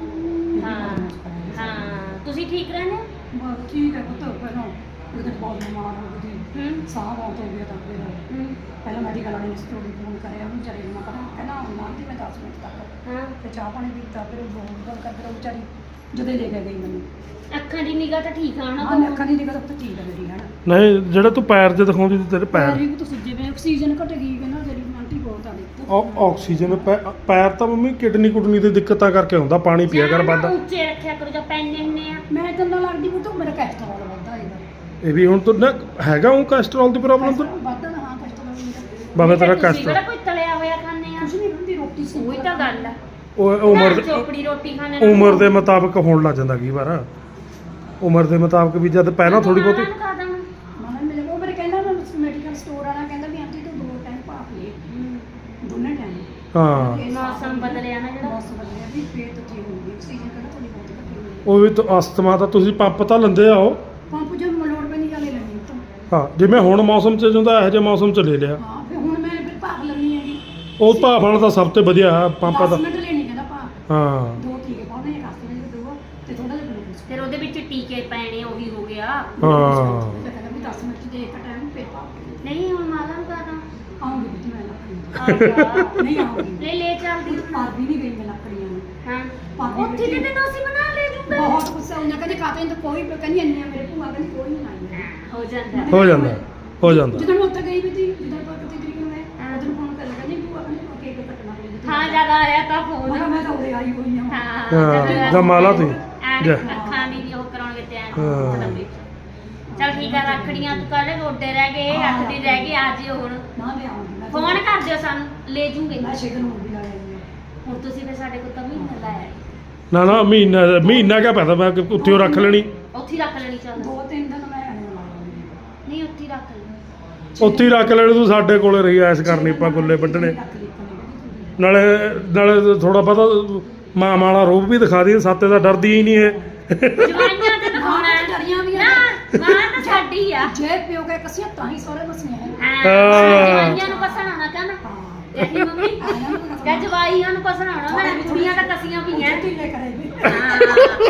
ਹਾਂ ਹਾਂ ਤੁਸੀਂ ਠੀਕ ਰਹਿੰਦੇ ਹੋ? ਬਸ ਠੀਕ ਹੈ ਪੁੱਤ ਪਹਿਲਾਂ ਉਹਦੇ ਬਹੁਤ ਬਿਮਾਰ ਹੋ ਗਈ ਸੀ। ਹੂੰ ਸਾਹ ਬਹੁਤ ਹੋ ਗਿਆ ਤਾਂ ਫਿਰ ਹੂੰ ਪਹਿਲਾਂ ਮੈਡੀਕਲ ਵਾਲੇ ਨੇ ਸਟੋਰੀ ਫੋਨ ਕਰਿਆ ਉਹਨੂੰ ਚਲੇ ਨੂੰ ਪਤਾ ਕਹਿੰਦਾ ਆਉਣਾ ਸੀ ਮੈਂ ਦਸ ਮਿੰਟ ਤੱਕ ਹਾਂ ਤੇ ਚਾਹ ਪਾਣੀ ਪੀਤਾ ਫਿਰ ਉਹ ਬਹੁਤ ਗੱਲ ਕਰਦੇ ਰਹੋ ਵਿਚਾਰੀ ਜਦੋਂ ਲੈ ਕੇ ਗਈ ਮੈਨੂੰ ਅੱਖਾਂ ਦੀ ਨਿਗਾਹ ਤਾਂ ਠੀਕ ਆ ਨਾ ਹਾਂ ਅੱਖਾਂ ਦੀ ਨਿਗਾਹ ਤਾਂ ਠੀਕ ਹੈ ਮੇਰੀ ਹੈ ਨਾ ਨਹੀਂ ਜਿਹੜਾ ਤੂੰ ਪੈਰ 'ਚ ਦਿਖਾਉਂਦੀ ਸੀ ਤੇਰੇ ਪੈਰ ਪੈਰ ਵੀ ਤੁਸੀਂ ਜਿਵੇਂ ਆਕਸੀਜਨ ਘਟ ਗਈ ਹੈ ਨਾ ਜਿਹੜੀ ਆਂਟੀ ਬਹੁਤ ਆ ਦੇਖੋ ਉਹ ਆਕਸੀਜਨ ਪੈ- ਪੈਰ ਤਾਂ ਮੰਮੀ ਕਿਡਨੀ ਕੁਡਨੀ ਦੀ ਦਿੱਕਤਾਂ ਕਰਕੇ ਹੁੰਦਾ ਪਾਣੀ ਪੀਆ ਕਰ ਜਾਂ ਨਾ ਵੱਧ ਉੱਚੇ ਰੱਖਿਆ ਕਰੋ ਜਾਂ ਪੈਨੇ ਹੁੰਨੇ ਆ ਮੈਂ ਤਾਂ ਨਾ ਲੱਗਦੀ ਪੁੱਤ ਮੇਰਾ ਕੈਸਟਰੋਲ ਵੱਧਦਾ ਇਹਦਾ ਇਹ ਵੀ ਹੁਣ ਤੋਂ ਨਾ ਹੈਗਾ ਉਹ ਕੋਲੇਸਟ੍ਰੋਲ ਦੀ ਪ੍ਰੋਬਲਮ ਤਾਂ ਵੱਧਦਾ ਨਾ ਹਾਂ ਕੈਸਟਰੋਲ ਮੇਰਾ ਬਾਬਾ ਤੇਰਾ ਤੁਸੀਂ ਕੋਲੇਸਟ੍ਰੋਲ ਕਿਹੜਾ ਕੋਈ ਤਲਿਆ ਹੋਇਆ ਖਾਂਦੇ ਆ ਕੁਝ ਨਹੀਂ ਹੁੰਦੀ ਰੋਟੀ ਸੀ ਉਹੀ ਤਾਂ ਗੱਲ ਆ ਉਹ ਉਮਰ ਦੇ- ਚੋਪੜੀ ਰੋਟੀ ਖਾਣੇ ਨਾਲ ਉਮਰ ਦੇ ਮੁਤਾਬਕ ਹੋਣ ਲੱਗ ਜਾਂਦਾ ਕਈ ਵਾਰ ਉਮਰ ਦੇ ਮੁਤਾਬਕ ਵੀ ਜਦ ਪਹਿਲਾਂ ਥੋੜੀ ਬਹੁਤੀ ਨਾਲ ਖਾ ਦੇਵਾਂ। ਮਾਨਾ ਮੇਰੇ ਕੋਲ ਮੇਰੇ ਕਹਿੰਦਾ ਨਾ ਮੈਡੀਕਲ ਸਟੋਰ ਵਾਲਾ ਕਹਿੰਦਾ ਵੀ ਆਂਟੀ ਤੂੰ ਦੋ ਟਾਈਮ ਭਾਪ ਲੈ ਦੋਨੇ ਟਾਈਮ ਹਾਂ ਮੌਸਮ ਬਦਲਿਆ ਨਾ ਜਿਹੜਾ ਮੌਸਮ ਬਦਲਿਆ ਵੀ ਫੇਰ ਤਾਂ ਠੀਕ ਹੋਊਗੀ ਆਕਸੀਜਨ ਕਹਿੰਦਾ ਥੋੜੀ ਬਹੁਤ ਘਟੀ ਹੋਈ ਉਹ ਵੀ ਤਾਂ ਅਸਥਮਾ ਤਾਂ ਤੁਸੀਂ ਪੰਪ ਤਾਂ ਲੈਂਦੇ ਆ ਉਹ ਪੰਪ ਜੋ ਮਲੋੜ ਪੈਣੀ ਵਾਲੇ ਲੈਣੀ ਤਾਂ ਹਾਂ ਜਿਵੇਂ ਹੁਣ ਮੌਸਮ ਚ ਹੁੰਦਾ ਇਹੋ ਜਿਹੇ ਮੌਸਮ ਚ ਲੈ ਲਿਆ ਹਾਂ ਫਿਰ ਹੁਣ ਮੈਂ ਫਿਰ ਭਾਪ ਲੈਣੀ ਹੈਗੀ ਉਹ ਭਾਫਣ ਦਾ ਸਭ ਤੋਂ ਵਧੀਆ ਹੈ ਪੰਪ ਦਸ ਦਾ ਮਿੰਟ ਲੈਣੀ ਕਹਿੰਦਾ ਭਾਪ ਹਾਂ ਦੋ ਟੀਕੇ ਪਾਉਣੇ ਇੱਕ ਹਫ਼ਤੇ ਵਿੱਚ ਦੋ ਤੇ ਥੋੜਾ ਜਿਹਾ ਗਲੂਕੋਜ਼ ਫਿਰ ਉਹਦੇ ਵਿੱਚ ਟੀਕੇ ਪੈਣੇ ਉਹੀ ਹੋ ਗਿਆ ਹਾਂ ਤੇ ਕਹਿੰਦਾ ਵੀ ਦਸ ਮਿੰਟ ਦੇ ਇੱਕ ਟਾਈਮ ਫਿਰ ਭਾਪ ਨਹੀਂ ਹੁਣ ਮਾਲਾ ਨੂੰ ਕਹਦਾ ਆਉਂਗੀ ਵੀ ਮੈਂ ਲੱਕੜੀ ਆਹ ਨਹੀਂ ਆਉਂਗੀ ਲੈ ਲੈ ਚੱਲਦੀ ਭਾਪ ਵੀ ਨਹੀਂ ਗਈ ਮੈਂ ਲੱਕੜੀਆਂ ਨੂੰ ਹਾਂ ਭਾਬੀ ਉੱਥੇ ਤੇ ਤੈਨੂੰ ਅਸੀਂ ਬਣਾ ਲੈ ਜੂਗਾ ਬਹੁਤ ਗੁੱਸਾ ਉਹਨਾਂ ਕਹਿੰਦੇ ਕਾਤੇ ਤਾਂ ਕੋਈ ਕਹਿੰਦੀ ਇੰਨੇ ਮੇਰੇ ਭੂਆ ਕਹਿੰਦੀ ਕੋਈ ਨਹੀਂ ਆਈ ਹੋ ਜਾਂਦਾ ਹੋ ਜਾਂਦਾ ਹੋ ਜਾਂਦਾ ਜਦੋਂ ਮੈਂ ਉੱਥੇ ਗਈ ਵੀ ਸੀ ਜਦੋਂ ਆਪਾਂ ਕਿਤੇ ਤਰੀਕ ਨੂੰ ਮੈਂ ਉਧਰ ਫੋਨ ਕਰ ਕਹਿੰਦੀ ਭੂਆ ਕਹਿੰਦੀ ਕੇਕ ਕੱਟਣਾ ਪਈ ਹਾਂ ਜਦ ਆਇਆ ਤਾਂ ਮੈਂ ਫੋਨ ਕਿਹਾ ਮੈਂ ਤਾਂ ਉਰੇ ਆਈ ਹੋਈ ਹਾਂ ਹਾਂ ਹਾਂ ਜਮਾਲਾ ਤੂੰ ਐਨ ਜਾ। ਅੱਖਾਂ ਦੀ ਵੀ ਉਹ ਕਰਾਉਣਗੇ ਤੇ ਐਨ ਹਾਂ। ਮਤਲਬ ਵੀ। ਚੱਲ ਠੀਕ ਆ ਰੱਖੜੀਆਂ ਤੂੰ ਕੱਲ ਗੋਡੇ ਰਹਿ ਗਏ ਅੱਠ ਦਿਨ ਰਹਿ ਗਏ ਆ ਜਿਓ ਹੁਣ ਨਾ ਮੈਂ ਆਉਂਗੀ ਫੋਨ ਕਰ ਦਿਓ ਸਾਨੂੰ ਲੈ ਜੂਗੇ ਮੈਂ ਸ਼ੇਕ ਨੂੰ ਵੀ ਲਾ ਲੈਂਦੀ ਹੁਣ ਤੁਸੀਂ ਫਿਰ ਸਾਡੇ ਕੋਲ ਤਾਂ ਮਹੀਨਾ ਲਾਇਆ ਨਾ ਨਾ ਮਹੀਨਾ ਮਹੀਨਾ ਕਿਆ ਪਤਾ ਮੈਂ ਕਿ ਉੱਥੇ ਉਹ ਰੱਖ ਲੈਣੀ ਉੱਥੇ ਹੀ ਰੱਖ ਲੈਣੀ ਚੱਲ ਦੋ ਤਿੰਨ ਦਿਨ ਮੈਂ ਆਣੇ ਲਾ ਲਾਂਗੀ ਨਹੀਂ ਉੱਥੇ ਹੀ ਰੱਖ ਲੈਣੀ ਉੱਥੇ ਹੀ ਰੱਖ ਲੈਣੀ ਤੂੰ ਸਾਡੇ ਕੋਲੇ ਰਹੀ ਐਸ ਕਰਨੀ ਆਪਾਂ ਗੁੱਲੇ ਵੱਢਣੇ ਨਾਲੇ ਨਾਲੇ ਥੋੜਾ ਪਤਾ ਮਾਂ ਵਾਲਾ ਰੂਪ ਵੀ ਦਿਖਾ ਦੀ ਸਾਤੇ ਦਾ ਡਰਦੀ ਹੀ ਨਹੀਂ ਇਹ ਜਵਾਈਆਂ ਤੇ ਦਿਖਾਉਣਾ ਹੈ ਡਰੀਆਂ ਵੀ ਨਾ ਮਾਂ ਤਾਂ ਸਾਡੀ ਆ ਜੇ ਪਿਓ ਕੇ ਕਸੀਆਂ ਤਾਂ ਹੀ ਸੋਰੇ ਬਸੀਆਂ ਹੈ ਹਾਂ ਜਵਾਈਆਂ ਨੂੰ ਪਸਣਾਉਣਾ ਕਹਿੰਦਾ ਹਾਂ ਇਹੀ ਮੰਮੀ ਕਹ ਜਵਾਈਆਂ ਨੂੰ ਪਸਣਾਉਣਾ ਮੈਂ ਕੁੜੀਆਂ ਤਾਂ ਕਸੀਆਂ ਪਈਆਂ ਢਿੱਲੇ ਕਰੇਗੀ ਹਾਂ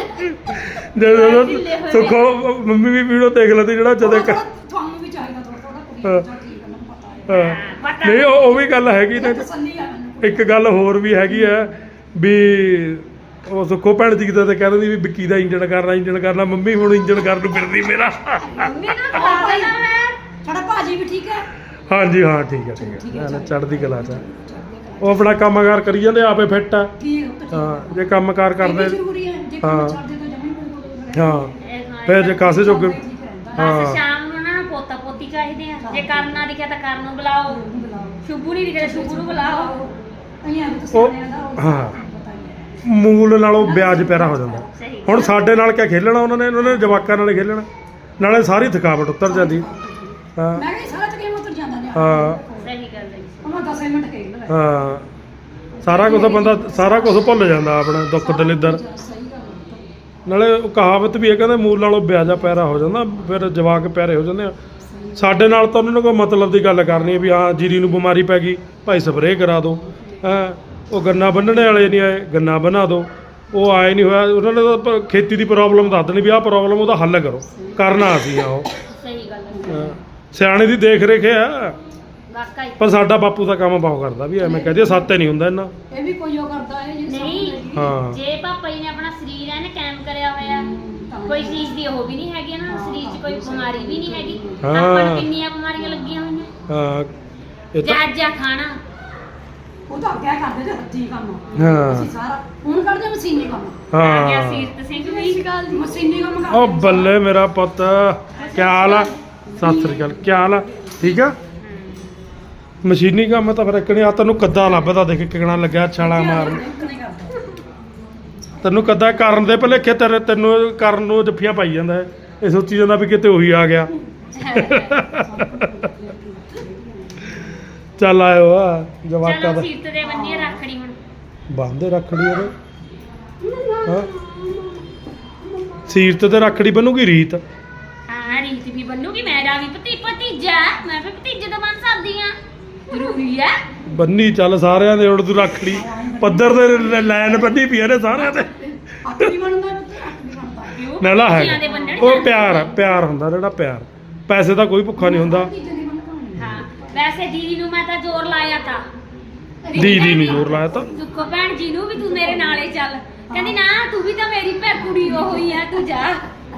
ਜਦੋਂ ਸੁੱਖੋ ਮੰਮੀ ਵੀ ਵੀਡੀਓ ਦੇਖ ਲੈਂਦੀ ਜਿਹੜਾ ਜਦੋਂ ਕ- ਤੁਹਾਨੂੰ ਵੀ ਚਾਹੀਦਾ ਥੋੜਾ ਥੋੜਾ ਕੁੜੀ ਹਾਂ। ਦਾ ਠੀਕ ਹੈ ਮੈਨੂੰ ਪਤਾ ਹੈ ਹਾਂ। ਨਹੀਂ ਉਹ ਉਹ ਵੀ ਗੱਲ ਹੈਗੀ ਨੇ ਤਸੱਲੀ ਆ ਮੈਨੂੰ ਇੱਕ ਗੱਲ ਹੋਰ ਵੀ ਹੈਗੀ ਆ ਵੀ ਉਹ ਸੁੱਖੋ ਭੈਣ ਜੀ ਕਿਤੇ ਤੇ ਕਹਿ ਦਿੰਦੀ ਵੀ ਵਿੱਕੀ ਦਾ ਇੰਜਣ ਕਰਨਾ ਇੰਜਣ ਕਰਨਾ ਮੰਮੀ ਹੁਣ ਇੰਜਣ ਕਰਨ ਨੂੰ ਫਿਰਦੀ ਮੇਰਾ ਮੰਮੀ ਨੂੰ ਖਾ ਦੇਣਾ ਮੈਂ ਸਾਡਾ ਭਾਜੀ ਵੀ ਠੀਕ ਹੈ ਹਾਂਜੀ ਹਾਂ ਠੀਕ ਹੈ ਠੀਕ ਹੈ ਐਨ ਚੜ੍ਹਦੀ ਕਲਾ ਚ ਆ। ਉਹ ਆਪਣਾ ਕੰਮਕਾਰ ਕਰੀ ਜਾਂਦੇ ਆਪੇ ਫਿੱਟ ਆ ਠੀਕ ਹੈ ਤਾਂ ਹਾਂ ਜੇ ਕੰਮਕਾਰ ਕਰਦੇ ਜ਼ਰੂਰੀ ਹੈ ਜੇ ਹਾਂ। ਕੰਮ ਛੱਡ ਦੇ ਤਾਂ ਜਮਾ ਹੀ ਕੋਈ ਹਾਂ ਫਿਰ ਜੇ ਕਾਸੇ ਜੋਗੇ ਠੀਕ ਰਹਿੰਦਾ ਹਾਂ। ਬਸ ਸ਼ਾਮ ਨੂੰ ਉਹਨਾਂ ਨੂੰ ਪੋਤਾ ਪੋਤੀ ਚਾਹੀਦੇ ਆ ਜੇ ਕਰਨਾ ਦਿਖਿਆ ਤਾਂ ਕਰਨ ਨੂੰ ਬੁਲਾਓ ਸ਼ੁਭੂ ਨਹੀਂ ਦਿਖਿਆ ਸ਼ੁਭੂ ਨੂੰ ਬੁਲਾਓ ਅਈਆਂ ਵੀ ਉਹ ਤੁਸੀਂ ਦਾ ਹਾਂ ਪਤਾ ਹੀ ਹੈ ਮੂਲ ਨਾਲੋਂ ਵਿਆਜ ਪਿਆਰਾ ਹੋ ਜਾਂਦਾ ਸਹੀ ਹੁਣ ਸਾਡੇ ਨਾਲ ਕਿਆ ਖੇਲਣਾ ਉਹਨਾਂ ਨੇ ਉਹਨਾਂ ਨੇ ਜਵਾਕਾਂ ਨਾਲ ਹੀ ਖੇਲਣਾ ਨਾਲੇ ਸਾਰੀ ਥਕਾਵਟ ਉਤਰ ਜਾਂਦੀ ਹਾਂ ਮੈਂ ਕਿਹਾ ਸਾਰਾ ਤਕਰੀਬਨ ਉਤਰ ਜਾਂਦਾ ਨੇ ਹਾਂ ਸਹੀ ਗੱਲ ਹੈ ਉਹਨਾਂ ਦਸ ਮਿੰਟ ਖੇਡ ਲਵੇ ਹਾਂ ਸਾਰਾ ਕੁਝ ਬੰਦਾ ਸਾਰਾ ਕੁਝ ਭੁੱਲ ਜਾਂਦਾ ਆਪਣਾ ਦੁੱਖ ਦਲਿੱਦਰ ਸਹੀ ਗੱਲ ਹੈ ਨਾਲੇ ਉਹ ਕਹਾਵਤ ਵੀ ਹੈ ਕਹਿੰਦੇ ਮੂਲ ਨਾਲੋਂ ਵਿਆਜਾ ਪਿਆਰਾ ਹੋ ਜਾਂਦਾ ਫਿਰ ਜਵਾਕ ਪਿਆਰੇ ਹੋ ਜਾਂਦੇ ਆ ਸਾਡੇ ਨਾਲ ਤਾਂ ਉਹਨਾਂ ਨੇ ਕੋਈ ਮਤਲਬ ਦੀ ਗੱਲ ਕਰਨੀ ਹੈ ਵੀ ਹਾਂ ਜੀਰੀ ਨੂੰ ਬਿਮਾਰੀ ਪੈ ਗਈ ਭਾਈ ਸਪਰੇਅ ਕਰਾ ਦਿਓ ਹੈਂ ਉਹ ਗੰਨਾ ਬੰਨਣੇ ਵਾਲੇ ਨਹੀਂ ਆਏ ਗੰਨਾ ਬਣਾ ਦਿਓ ਉਹ ਆਏ ਨਹੀਂ ਹੋਇਆ ਉਹਨਾਂ ਨੇ ਤਾਂ ਪ- ਖੇਤੀ ਦੀ ਪ੍ਰੋਬਲਮ ਦੱਸ ਦੇਣੀ ਵੀ ਆਹ ਪ੍ਰੋਬਲਮ ਉਹਦਾ ਹੱਲ ਕਰੋ ਕਰਨਾ ਅਸੀਂ ਆ ਉਹ ਸਹੀ ਗੱਲ ਹੈ ਹਾਂ। ਸਿਆਣੇ ਦੀ ਦੇਖ ਰੇਖ ਆ ਵਾਕਈ ਪਰ ਸਾਡਾ ਬਾਪੂ ਦਾ ਕੰਮ ਬਹੁਤ ਕਰਦਾ ਵੀ ਐਵੇਂ ਕਹਦੇ ਸੱਤੇ ਨਹੀਂ ਹੁੰਦਾ ਇਹਨਾਂ ਇਹ ਵੀ ਕੋਈ ਉਹ ਕਰਦਾ ਹੈ ਜਿਹਨੇ ਨਹੀਂ ਹਾਂ ਜੇ ਪਾਪਾ ਜੀ ਨੇ ਆਪਣਾ ਸਰੀਰ ਐਨ ਕਾਇਮ ਕਰਿਆ ਹੋਇਆ ਕੋਈ ਚੀਜ਼ ਦੀ ਉਹ ਵੀ ਨਹੀਂ ਹੈਗੀ ਨਾ ਸਰੀਰ 'ਚ ਕੋਈ ਬਿਮਾਰੀ ਵੀ ਨਹੀਂ ਹੈਗੀ ਹਾਂ। ਆਪਾਂ ਨੂੰ ਕਿੰਨੀਆਂ ਬਿਮਾਰੀਆਂ ਲੱਗੀਆਂ ਹੋਈਆਂ ਹਾਂ ਇਹ ਤਾਂ ਜਾਜਾ ਖਾਣਾ ਉਹ ਤਾਂ ਅੱਗੇ ਕਰਦੇ ਤੇ ਹੱਥੀਂ ਕੰਮ ਹਾਂ ਅਸੀਂ ਸਾਰਾ ਹੁਣ ਕਰਦੇ ਮਸ਼ੀਨੀ ਕੰਮ ਆ ਗਿਆ ਹਾਂ ਸੀਰਤ ਸਿੰਘ ਵੀ ਮਸ਼ੀਨੀ ਕੰਮ ਕਰਦੇ ਉਹ ਬੱਲੇ ਮੇਰਾ ਪੁੱਤ ਕੀ ਹਾਲ ਆ ਸਤਿ ਸ੍ਰੀ ਅਕਾਲ ਕੀ ਹਾਲ ਆ ਠੀਕ ਆ ਮਸ਼ੀਨੀ ਕੰਮ ਤਾਂ ਫਿਰ ਇੱਕਣੇ ਆ ਤੈਨੂੰ ਕੱਦਾ ਲੱਭਦਾ ਦੇਖ ਕਿਕਣਾ ਲੱਗਿਆ ਛਾਲਾ ਮਾਰਨ ਨਹੀਂ ਕਰਦਾ ਤੈਨੂੰ ਕੱਦਾ ਕਰਨ ਦੇ ਭਲੇਖੇ ਤੇਰੇ ਤੈਨੂੰ ਕਰਨ ਨੂੰ ਜੱਫੀਆਂ ਪਾਈ ਜਾਂਦਾ ਹੈ। ਇਹ ਸੋਚੀ ਜਾਂਦਾ ਵੀ ਕਿਤੇ ਉਹੀ ਆ ਗਿਆ ਚੱਲ ਆਇਓ ਆ ਜਵਾਕਾਂ ਚਲੋ ਦਾ ਸੀਰਤ ਦੇ ਬੰਨੀ ਰੱਖੜੀ ਹੁਣ ਬੰਦੇ ਰੱਖੜੀ ਉਹਦੇ ਹਾਂ ਸੀਰਤ ਤੇ ਰੱਖੜੀ ਬਣੂਗੀ ਰੀਤ ਹਾਂ ਰੀਤ ਵੀ ਬੰਨੂਗੀ ਮੇਰਾ ਵੀ ਭਤੀ ਭਤੀਜਾ ਮੈਂ ਵੀ ਭਤੀਜੇ ਤੋਂ ਬਣ ਸਕਦੀ ਆ ਜ਼ਰੂਰੀ ਹੈ ਬੰਨੀ ਚੱਲ ਸਾਰਿਆਂ ਦੇ ਉੜ ਤੂੰ ਰੱਖੜੀ ਪੱਧਰ ਦੇ ਲੈਣ ਬੰਨੀ ਪਈ ਨੇ ਸਾਰਿਆਂ ਤੇ ਅੱਖ ਵੀ ਬਣਦਾ ਤੇ ਅੱਖ ਵੀ ਬਣਦਾ ਕਿਉਂ ਨਾਲਾ ਧੀਆਂ ਦੇ ਹੈ ਬੰਨਣ ਉਹ ਪਿਆਰ ਆ, ਪਿਆਰ ਹੁੰਦਾ ਜਿਹੜਾ ਪਿਆਰ ਪੈਸੇ ਦਾ ਕੋਈ ਭੁੱਖਾ ਨਹੀਂ ਹੁੰਦਾ ਤੀਜੇ ਦੀ ਬਣਦਾ ਹਾਂ ਵੈਸੇ ਦੀਦੀ ਨੂੰ ਮੈਂ ਤਾਂ ਜ਼ੋਰ ਲਾਇਆ ਤਾਂ ਦੀਦੀ ਨਹੀਂ ਜ਼ੋਰ ਲਾਇਆ ਤਾਂ ਦੁੱਖੋ ਭੈਣ ਜੀ ਨੂੰ ਵੀ ਤੂੰ ਮੇਰੇ ਨਾਲੇ ਚੱਲ ਕਹਿੰਦੀ ਨਾ ਤੂੰ ਵੀ ਤਾਂ ਮੇਰੀ ਭੈ ਕੁੜੀ ਉਹ ਹੋਈ ਆ ਤੂੰ ਜਾ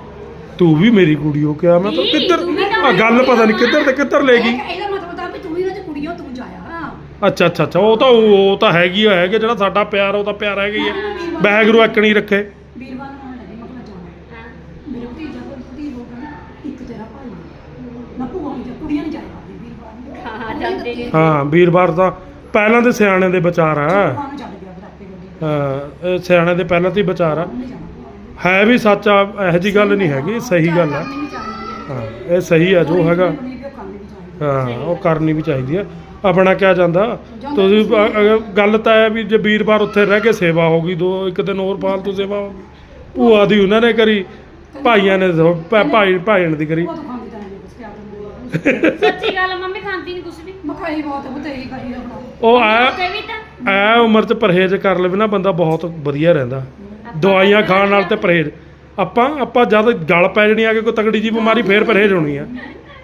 ਤੂੰ ਵੀ ਮੇਰੀ ਕੁੜੀ ਹੋ ਕਿਹਾ ਮੈਂ ਤਾਂ ਨਹੀਂ, ਕਿੱਧਰ ਤੂੰ ਵੀ ਤਾਂ ਆ ਗੱਲ ਮੇਰੀ ਪਤਾ ਨਹੀਂ ਕੁੜੀ ਕਿੱਧਰ ਤੇ ਕਿੱਧਰ ਲੈ ਗਈ ਇਹਦਾ ਮਤਲਬ ਤਾਂ ਵੀ ਤੂੰ ਵੀ ਨਾ ਤੇ ਕੁੜੀਓ ਤੂੰ ਜਾਇਆ ਅੱਛਾ ਅੱਛਾ ਅੱਛਾ ਉਹ ਤਾਂ ਉਹ ਤਾਂ ਹੈਗੀ ਆ ਹੈਗੇ ਜਿਹੜਾ ਸਾਡਾ ਪਿਆਰ ਉਹ ਤਾਂ ਪਿਆਰ ਹੈਗਾ ਹੀ ਆ ਵਾਹਿਗੁਰੂ ਐਕਣੀ ਰੱਖੇ ਵੀਰਵਾਰ ਨੂੰ ਆਉਣ ਲੱਗੀ ਮਤਲਬ ਜਾਣਾ ਹਾਂ ਮੇਰੇ ਭਤੀਜਾ ਕੋਲ ਭਤੀਜ ਹੋ ਗਿਆ ਇੱਕ ਤੇਰਾ ਭਾਈ ਨਾ ਭੂਆ ਨਹੀਂ ਜਾ ਕੁੜੀਆਂ ਨਹੀਂ ਜਾਇਆ ਵੀਰਵਾਰ ਨੂੰ ਹਾਂ ਜਾਂਦੇ ਨੇ ਹਾਂ ਵੀਰਵਾਰ ਤਾਂ ਪਹਿਲਾਂ ਦੇ ਸਿਆਣੇ ਦੇ ਵਿਚਾਰ ਆ ਭੂਆ ਨੂੰ ਛੱਡ ਗਿਆ ਫਿਰ ਆਪੇ ਗੱਡੀ ਹਾਂ, ਇਹ ਸਿਆਣੇ ਦੇ ਪਹਿਲਾਂ ਤੋਂ ਹੀ ਵਿਚਾਰ ਆ ਨਹੀਂ ਜਾਣਾ ਹੈ ਵੀ ਸੱਚ ਆ ਇਹੋ ਜੀ ਗੱਲ ਨਹੀਂ ਹੈਗੀ ਸਹੀ ਗੱਲ ਆ ਕਰਨੀ ਵੀ ਚਾਹੀਦੀ ਹੈ ਹਾਂ ਇਹ ਸਹੀ ਆ ਜੋ ਹੈਗਾ ਆਪਣੀ ਵੀ ਉਹ ਕਰਨੀ ਵੀ ਚਾਹੀਦੀ ਹੈ। ਹਾਂ ਉਹ ਕਰਨੀ ਵੀ ਚਾਹੀਦੀ ਆ ਆਪਣਾ ਕਿਆ ਜਾਂਦਾ ਤੁਸੀਂ ਅ- ਅਗਰ ਗੱਲ ਤਾਂ ਹੈ ਵੀ ਜੇ ਵੀਰਵਾਰ ਉੱਥੇ ਰਹਿ ਕੇ ਸੇਵਾ ਹੋ ਗਈ ਦੋ ਇੱਕ ਦਿਨ ਹੋਰ ਫਾਲਤੂ ਸੇਵਾ ਹੋ ਗਈ ਭੂਆ ਦੀ ਉਹਨਾਂ ਨੇ ਕਰੀ ਭਾਈਆਂ ਨੇ ਸੋ- ਭਾ- ਭਾਈ ਭਾਈਣ ਦੀ ਕਰੀ ਉਹ ਤਾਂ ਖਾਂਦੀ ਤਾਂ ਨਹੀਂ ਕੁਛ ਕਿਆ ਦਿੰਦੇ ਸੱਚੀ ਗੱਲ ਆ, ਮੰਮੀ ਖਾਂਦੀ ਨਹੀਂ ਕੁਛ ਵੀ ਮਖਾਈ ਬਹੁਤ ਬਤੇਈ ਕਰੀ ਆਪਣਾ ਉਹ ਆ ਤੇ ਵੀ ਤਾਂ ਐ ਉਮਰ 'ਚ ਪਰਹੇਜ਼ ਕਰ ਲਵੇ ਨਾ ਬੰਦਾ ਬਹੁਤ ਵਧੀਆ ਰਹਿੰਦਾ ਦਵਾਈਆਂ ਖਾਣ ਨਾਲ ਤੇ ਪਰਹੇਜ਼ ਆਪਾਂ ਆਪਾਂ ਜਦ ਗਲ ਪੈ ਜਣੀ ਆ ਕਿ ਕੋਈ ਤਗੜੀ ਜੀ ਬਿਮਾਰੀ ਫੇਰ ਪਰਹੇਜ਼ ਹੋਣੀ ਆ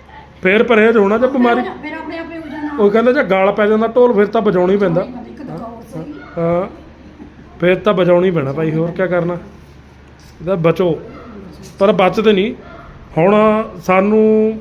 ਫੇਰ ਪਰਹੇਜ਼ ਹੋਣਾ ਜੇ ਬਿਮਾਰੀ ਫਿਰ ਆਪਣੇ ਆਪੇ ਹੋ ਜਾਣਾ ਉਹ ਕਹਿੰਦੇ ਜੇ ਗਲ ਪੈ ਜਾਂਦਾ ਢੋਲ ਫਿਰ ਤਾਂ ਵਜਾਉਣਾ ਹੀ ਪੈਂਦਾ ਇੱਕ ਦਗਾ ਹੋਰ ਸਹੀ ਹਾਂ ਫਿਰ ਤਾਂ ਵਜਾਉਣਾ ਹੀ ਪੈਣਾ ਭਾਈ ਹੋਰ ਕੀ ਕਰਨਾ ਇਹਦਾ ਬਚੋ ਪਰ ਬਚਦੇ ਨਹੀਂ ਹੁਣ ਸਾਨੂੰ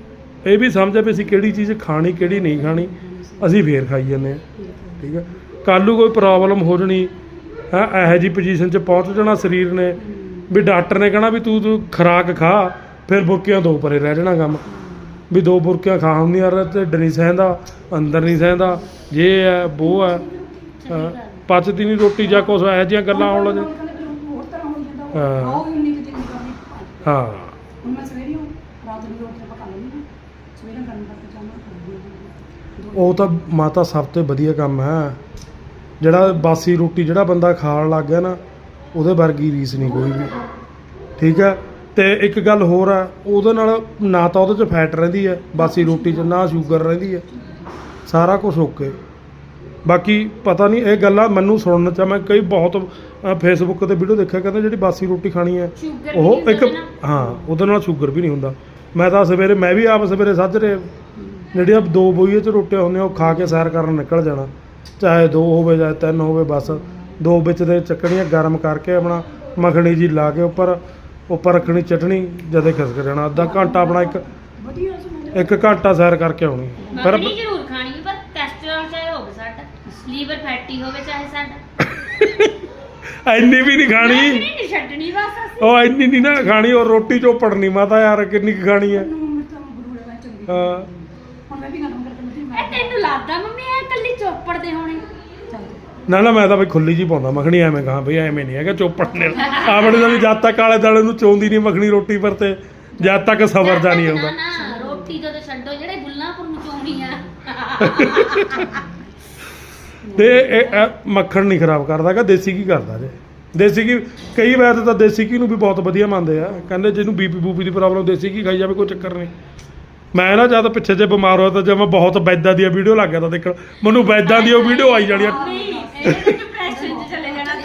ਇਹ ਵੀ ਸਮਝ ਆ ਵੀ ਅਸੀਂ ਕਿਹੜੀ ਚੀਜ਼ ਖਾਣੀ ਕਿਹੜੀ ਨਹੀਂ ਖਾਣੀ ਅਸੀਂ ਫੇਰ ਖਾਈ ਜਾਂਦੇ ਹਾਂ ਠੀਕ ਹੈ ਕੱਲ੍ਹ ਨੂੰ ਕੋਈ ਪ੍ਰੋਬਲਮ ਹੋ ਜਣੀ ਹੈ ਇਹੋ ਜਿਹੀ ਪੋਜੀਸ਼ਨ 'ਚ ਪਹੁੰਚ ਜਾਣਾ ਸਰੀਰ ਨੇ ਵੀ ਡਾਕਟਰ ਨੇ ਕਹਿਣਾ ਵੀ ਤੂੰ ਤੂੰ ਖੁਰਾਕ ਖਾ ਫਿਰ ਬੁਰਕੀਆਂ ਦੋ ਪਰੇ ਰਹਿ ਜਾਣਾ ਕੰਮ ਵੀ ਦੋ ਬੁਰਕੀਆਂ ਖਾ ਹੁੰਦੀਆਂ ਯਾਰ ਢਿੱਡ ਨਹੀਂ ਸਹਿੰਦਾ ਅੰਦਰ ਨਹੀਂ ਸਹਿੰਦਾ ਜੇ ਹੈ ਉਹ ਹੈ ਹਾਂ, ਪਚਦੀ ਨਹੀਂ ਰੋਟੀ ਜਾਂ ਕੁਛ ਇਹੋ ਜਿਹੀਆਂ ਗੱਲਾਂ ਆਉਣ ਲੱਗ ਹੋਰ ਤਰ੍ਹਾਂ ਹੋ ਜਾਂਦਾ ਹਾਂ। ਉਹ ਆਓ ਹੀ ਉਨੀ ਕੁ ਦਿਨ ਦੀ ਕਰਨੀ ਹਾਂ ਹੁਣ ਮੈਂ ਸਵੇਰੇ ਹੀ ਰਾਤ ਨੂੰ ਰੋਟੀ ਪਕਾ ਲੈਂਦੀ ਹਾਂ ਸਵੇਰੇ ਗਰਮ ਕਰਕੇ ਚਾਹਣਾ ਖਾਂਦੀ ਹਾਂ ਉਹ ਤਾਂ ਮਾਤਾ ਸਭ ਤੋਂ ਵਧੀਆ ਕੰਮ ਹੈ ਜਿਹੜਾ ਬਾਸੀ ਰੋਟੀ ਜਿਹੜਾ ਬੰਦਾ ਖਾਣ ਲੱਗ ਗਿਆ ਨਾ ਉਹਦੇ ਵਰਗੀ ਰੀਸ ਨਹੀਂ ਕੋਈ ਵੀ ਠੀਕ ਹੈ ਤੇ ਇੱਕ ਗੱਲ ਹੋਰ ਆ ਉਹਦੇ ਨਾਲ ਨਾ ਤਾਂ ਉਹਦੇ 'ਚ ਫੈਟ ਰਹਿੰਦੀ ਹੈ ਬਾਸੀ ਰੋਟੀ 'ਚ ਨਾ ਸ਼ੂਗਰ ਰਹਿੰਦੀ ਹੈ ਸਾਰਾ ਕੁਝ ਓਕੇ ਬਾਕੀ ਪਤਾ ਨਹੀਂ ਇਹ ਗੱਲਾਂ ਮੈਨੂੰ ਸੁਣਨ 'ਚ ਆ, ਮੈਂ ਕਈ ਬਹੁਤ ਫੇਸਬੁੱਕ ਤੇ ਵੀਡੀਓ ਦੇਖਿਆ ਕਹਿੰਦੇ ਜਿਹੜੀ ਬਾਸੀ ਰੋਟੀ ਖਾਣੀ ਹੈ ਸ਼ੂਗਰ ਉਹ ਇੱਕ ਹਾਂ ਉਹਦੇ ਨਾਲ ਸ਼ੂਗਰ ਵੀ ਨਹੀਂ ਹੁੰਦਾ ਮੈਂ ਤਾਂ ਸਵੇਰੇ ਮੈਂ ਵੀ ਆਪ ਸਵੇਰੇ ਸਾਜਰੇ ਜਿਹੜੀਆਂ ਦੋ ਬੋਈਏ 'ਚ ਰੋਟੀਆਂ ਹੁੰਦੀਆਂ ਉਹ ਖਾ ਕੇ ਸੈਰ ਕਰਨ ਨਿਕਲ ਜਾਣਾ ਚਾਹੇ ਦੋ ਹੋਵੇ ਚਾਹੇ ਤਿੰਨ ਹੋਵੇ ਬਸ ਦੋ ਵਿੱਚ ਦੇ ਚੱਕਣੀਆਂ ਗਰਮ ਕਰਕੇ ਆਪਣਾ ਮੱਖਣੀ ਜੀ ਲਾ ਕੇ ਉੱਪਰ ਉੱਪਰ ਰੱਖਣੀ ਚਟਣੀ ਜਦੇ ਖਿਸਕ ਜਾਣਾ ਅੱਧਾ ਘੰਟਾ ਆਪਣਾ ਇੱਕ ਵਧੀਆ ਸੀ ਇੱਕ ਘੰਟਾ ਸੈਰ ਕਰਕੇ ਆਉਣੀ ਫਿਰ ਮੱਖਣੀ ਜ਼ਰੂਰ ਖਾਣੀ ਪਰ ਕੋਲੇਸਟ੍ਰੋਲ ਚਾਹੇ ਹੋਵੇ ਸਾਡਾ ਲੀਵਰ ਫੈਟੀ ਹੋਵੇ ਚਾਹੇ ਸਾਡਾ ਇੰਨੀ ਵੀ ਨਹੀਂ ਖਾਣੀ ਮੱਖਣੀ ਨਹੀਂ ਛੱਡਣੀ ਬਸ ਅਸੀਂ ਉਹ ਇੰਨੀ ਨਹੀਂ ਨਾ ਖਾਣੀ ਉਹ ਰੋਟੀ ਚੋਪੜਨੀ ਮਾਤਾ ਯਾਰ ਕਿੰਨੀ ਕੁ ਖਾਣੀ ਹੈ ਮੈਨੂੰ ਮੈਂ ਤਾਂ ਗੁਰੂ ਦਾ ਚੰਗੀ ਹਾਂ ਹੁਣ ਮੈਂ ਵੀ ਗਰਮ ਕਰਕੇ ਮੈਂ ਇਹ ਤੈਨੂੰ ਲੱਗਦਾ ਮੰਮੀ ਇਹ ਇਕੱਲੀ ਚੋਪੜ ਦੇ ਹੋਣੇ ਚੱਲ ਨਾ ਨਾ ਮੈਂ ਤਾਂ ਬਈ ਖੁੱਲੀ ਜੀ ਪਾਉਂਦਾ ਮੱਖਣੀ ਐਵੇਂ ਕਹਾਂ ਬਈ ਐਵੇਂ ਨਹੀਂ ਹੈਗਾ ਚੋਪੜਨੇ ਆਪਣੇ ਦਾ ਵੀ ਜਦ ਤੱਕ ਕਾਲੇ ਦਾਲੇ ਨੂੰ ਚੋਂਦੀ ਨਹੀਂ ਮੱਖਣੀ ਰੋਟੀ ਪਰ ਤੇ ਜਦ ਤੱਕ ਸਬਰ ਜਾ ਨਹੀਂ ਆਉਂਦਾ ਨਾ ਨਾ ਰੋਟੀ ਜਦੋਂ ਛੱਡੋ ਜਿਹੜੇ ਬੁੱਲਾਂਪੁਰ ਨੂੰ ਚੋਣੀ ਆ ਤੇ ਇਹ ਇਹ ਮੱਖਣ ਨਹੀਂ ਖਰਾਬ ਕਰਦਾ ਕਿ ਦੇਸੀ ਕੀ ਕਰਦਾ ਜੇ ਦੇਸੀ ਕੀ ਕਈ ਵਾਰ ਤਾਂ ਦੇਸੀ ਕੀ ਨੂੰ ਵੀ ਬਹੁਤ ਵਧੀਆ ਮੰਨਦੇ ਆ ਕਹਿੰਦੇ ਜਿਹਨੂੰ ਬੀਪੀ ਬੂਪੀ ਦੀ ਪ੍ਰੋਬਲਮ ਦੇਸੀ ਕੀ ਖਾਈ ਜਾਵੇ ਕੋਈ ਚੱਕਰ ਨਹੀਂ ਮੈਂ ਨਾ ਜਦ ਪਿੱਛੇ ਜੇ ਬਿਮਾਰ ਹੋਇਆ ਤਾਂ ਜਦ ਮੈਂ ਬਹੁਤ ਵੈਦਾਂ ਦੀਆਂ ਵੀਡੀਓ ਲੱਗ ਗਿਆ ਤਾਂ ਦੇਖਣ ਮੈਨੂੰ ਵੈਦਾਂ ਦੀ ਉਹ ਵੀਡੀਓ ਆਈ ਜਾਣੀਆਂ ਨਹੀਂ ਇਹ ਡਿਪਰੈਸ਼ਨ ਚ ਚਲੇ ਜਾਣਾ